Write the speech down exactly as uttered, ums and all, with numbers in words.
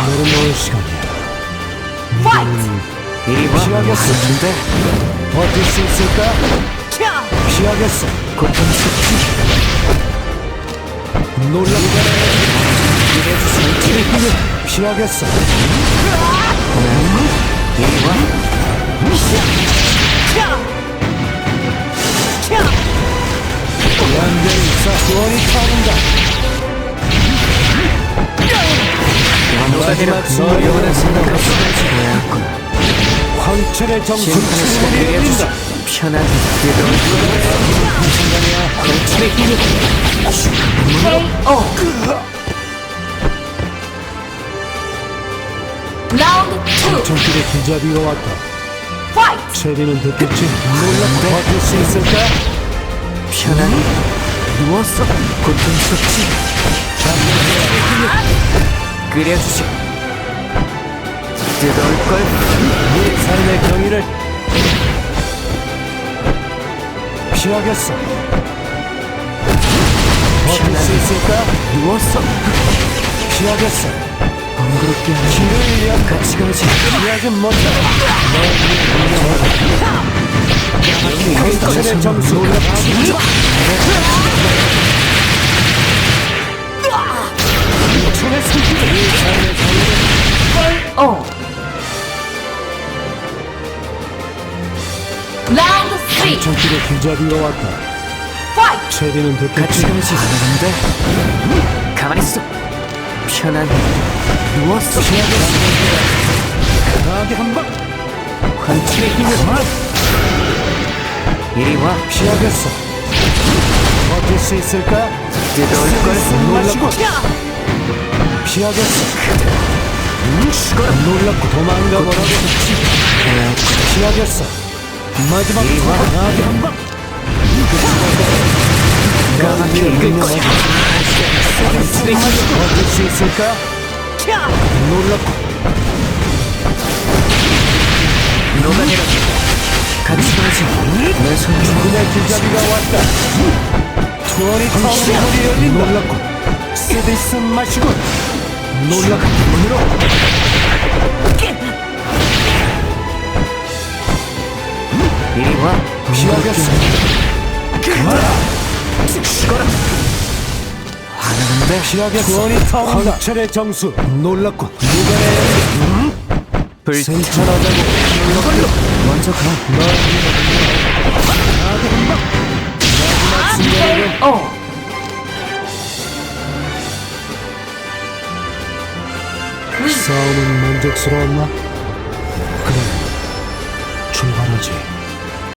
내려놓을 시간이야. 파이트! 이리 와. 피하겠어. 근데 버틸 수 있을까? 피하겠어. 고통스럽지. 놀랍게 이래주세요. 피하겠어. 이리 와. 완전히 사소원이 타오른다. 녹아내려. 마지막 너 영원한 순간을 생각으로 생각하지. 보였군. 황천의 정수 심판의 시간 충분히 내려주소. 열린다. 편하게 뜨거운 황천의 힘이 케이오. 라운드 투. 정길의 기자비가 왔다. 파이트! 체리는 듣겠지? 놀랍게 버틸 수 있을까? 편하게 누웠어. 고통스럽지. 끓여주지. 뜨거울걸. 네 삶의 경위를 피하겠어. 버틸 수 있을까? 누웠어. 피하겠어. 번거롭게 하는 길을 위한 같이 가지. 피하진 못해. 황천의 정수 놀랍지. 황천의 승기를 네 삶의 경위를 오. 라운드 쓰리. 정길의 기자비가 왔다. 파이트! 체리는 같이 듣겠지? 가지. 근데 가만히 있어. 편하게 누웠어. 강하게 한 방. 황천의 힘을 이리 와. 피하겠어. 버틸 수 있을까? 뜨거울걸. 숨 마시고 피하겠어. 죽어라. 놀랍고 도망가 보라고. 피하겠어. 마지막 이리 와. 강하게 한 방. 까맣게 익을 거야. 황천의 힘을 버틸 수 있을까? 놀랍고 녹아내려. 같이 가지. 내 손. 죽음의 길잡이가 왔다. 투어리 타운이 열린다. 놀랍고 쓰디스 마시고 놀랍고 문으로 이리 와. 피하겠어. 죽어라. 화나는데. 피하겠어. 투어리 타운 황철의 정수 놀랍고 누가 불 생천하다고 이걸로 먼저 가. 강하게 한 방. 마지막 순간에는 케이오. 싸움은 만족스러웠나? 그래, 출발하지.